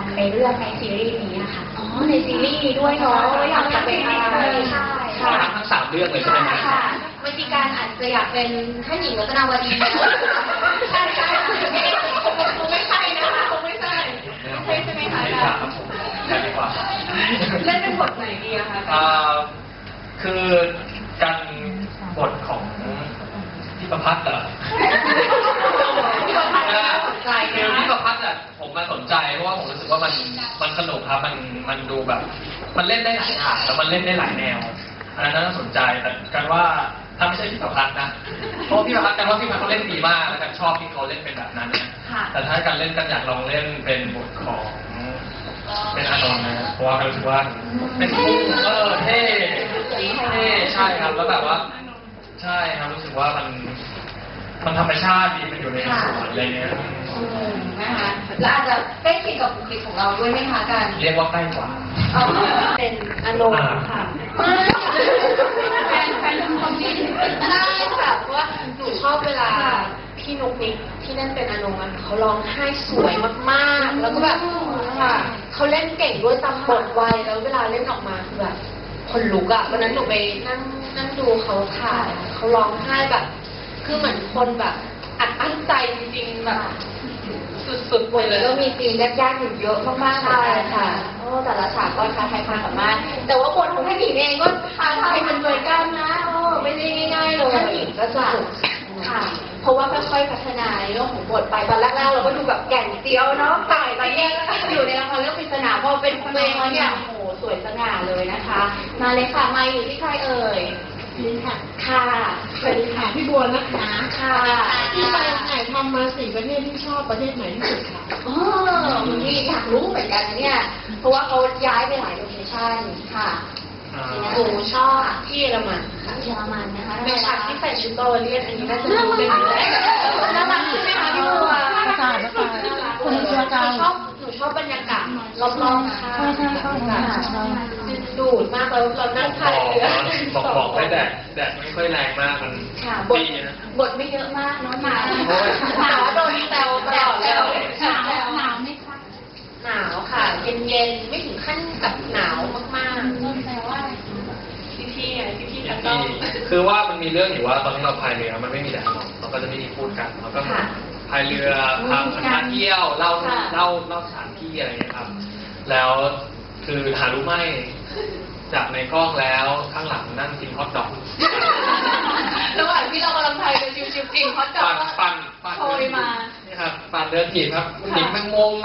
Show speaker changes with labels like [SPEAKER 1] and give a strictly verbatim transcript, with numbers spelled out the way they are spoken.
[SPEAKER 1] ไปเลือกในซีรีส์นี้นะคะ
[SPEAKER 2] อ๋อในซีรีส์นี้ด้วยเนาะว่าอยากจะเป็นอะไรใช่ค่ะ
[SPEAKER 3] ทั้งสามเรื่องเลยใช่ไหมครับ
[SPEAKER 2] ค่ะเมื่อกี้การอาจจะอยากเป็นท่านหญิงรัตนาวดีนะใช่ใช่คงไม่ใช่นะคะคงไม่ใช่ใช่ใช่ไหมคะ
[SPEAKER 3] ไม่ครับผมแค่ดีกว่า
[SPEAKER 2] เล่นเป็นบทไหนดีอะคะ
[SPEAKER 3] อ่าคือการบทของพี่ประพัฒน์เหรอ
[SPEAKER 2] พี่ประพัฒน์น่าสนใจ
[SPEAKER 3] คือ
[SPEAKER 2] นะ
[SPEAKER 3] พี่ประพัฒน์อ่ะผมมาสนใจเพราะว่าผมรู้สึกว่ามันมันสนุกครับมันมันดูแบบ มันเล่นได้หลายอย่างแล้วมันเล่นได้หลายแนวอันนั้นน่าสนใจแต่กันว่าถ้าไม่ใช่พี่ประพัฒน์นะเพราะว่าพี่ประพัฒน์กันว่าพี่ประพัฒน์เขาเล่นดีมากแล้วกันชอบที่เขาเล่นเป็นแบบนั้นนะแต่ถ้าการเล่นกันอยากลองเล่นเป็นบทของเป็นอานนท์นะเพราะว่ากันรู้สึกว่าเป็นคู่เออเท่เท่ใช่ครับแล้วแบบว่า ใช่ครับรู้สึกว่ามันมันธรรมชาติดีมันอยู่ในสวนอะไรเงี้ย
[SPEAKER 2] อืมนะคะแล้วอาจจะใกล้เคียงกับบุคลิกของเราด้วยไหมคะกัน
[SPEAKER 3] เรียกว่าใกล้กว่า
[SPEAKER 2] เอาเป็นอานนท์ค่ะแฟนแฟนคอมมิชได้ค่ะเพราะว่าหนูชอบเวลาพี่นุ๊กนิกที่เล่นเป็นอานนท์อะเขาร้องไห้สวยมากๆ แล้วก็แบบค่ะเขาเล่นเก่งด้วยตามบทไวแล้วเวลาเล่นออกมาคือแบบคนลุกอะวันนั้นหนูไปนั่งนั่งดูเขาถ่ายเขาร้องไห้แบบ คือเหมือนคนแบบอัดอั้นใจจริงๆแบบสุดๆวันนี้ก็มีซีนยากๆอยู่เยอะมากๆเลยค่ะโอ้แต่ละฉากก็ท้าทายความสามารถแต่ว่าบทของท่านหญิงเองก็ท้าทายมันเหมือนกันนะโอ้ไม่ได้ง่ายๆเลยท่านหญิงก็จะค่ะ เพราะว่าค่อยๆพัฒนาในเรื่องของบทไปตอนแรกๆเราก็ดูแบบแก่นเจียวเนาะต่ายไปเนี่ยอยู่ในละครเรื่องปริศนาพอเป็นเพลงแล้วเนี่ยโอ้โหสวยสง่าเลยนะคะ มาเลยค่ะมาอยู่ที่ใครเอ่ย
[SPEAKER 4] นี่ค่ะ
[SPEAKER 2] ค่ะ
[SPEAKER 4] สวัสดีค่ะพี่บัวนะคะ
[SPEAKER 2] ค่ะ
[SPEAKER 4] ที่ไปถ่ายทำมาสี่ประเทศที่ชอบประเทศไหนที่สุดคะ
[SPEAKER 2] อ๋อคุณพี่อยากรู้เหมือนกันนะเนี่ย เพราะว่าเขาย้ายไปหลายโลเคชั่นค่ะหนูชอบที่เยอรมันค่ะ
[SPEAKER 1] เยอรมันนะคะ
[SPEAKER 2] ในฉากที่ใส่ชุดบาวาเลียนอันนี้น่าจะดูเป็นอยู่แล้วน่ารักใช่ไหมคะพี่บัว
[SPEAKER 4] ประกาศประกาศคนเชียร์กัน
[SPEAKER 2] หนูชอบหนูชอบบรรยากาศรอบๆค่ะ
[SPEAKER 4] ใช่ใช่ใช่ใช่ใช่
[SPEAKER 2] ดึงดูดมากแล้วเรานั่งพายเรือ
[SPEAKER 3] บอกบอกให้แดดแดดไม่ค่อยแรงมากมัน
[SPEAKER 2] ค่ะบท
[SPEAKER 3] ดีนะ
[SPEAKER 2] บทไม่เยอะมากเนาะหนาว
[SPEAKER 3] เพราะว่า
[SPEAKER 2] หนาวโดนแซวตลอดเลย
[SPEAKER 1] หนาวหนาวไหมคะ
[SPEAKER 2] หนาวค่ะเย็นๆไม่ถึงขั้นกับหนาวมากๆ
[SPEAKER 1] ต้นแปลว่า
[SPEAKER 2] พี่พี่ไงพี่พี่กันต้อง
[SPEAKER 3] คือว่ามันมีเรื่องอยู่ว่าตอนที่เราพายเรือมันไม่มีแดดหรอกเราก็จะไม่มีพูดกันเราก็
[SPEAKER 2] ค่ะ
[SPEAKER 3] พายเรือพาพาเที่ยวเล่า
[SPEAKER 2] ค่ะ
[SPEAKER 3] เล่าเล่าสถานที่อะไรอย่างเงี้ยครับ แล้วคือหารู้ไหมจากในกล้องแล้วข้างหลังนั่งกินฮอทดอก
[SPEAKER 2] ระหว่างที่เรากำลังพายเรือชิวๆจริงเขาจับ
[SPEAKER 3] ปั่น
[SPEAKER 2] ว่า
[SPEAKER 3] ปั่นปั่น
[SPEAKER 2] โชยมา
[SPEAKER 3] นี่ครับปั่นเรือถีบครับหญิงแมงมุม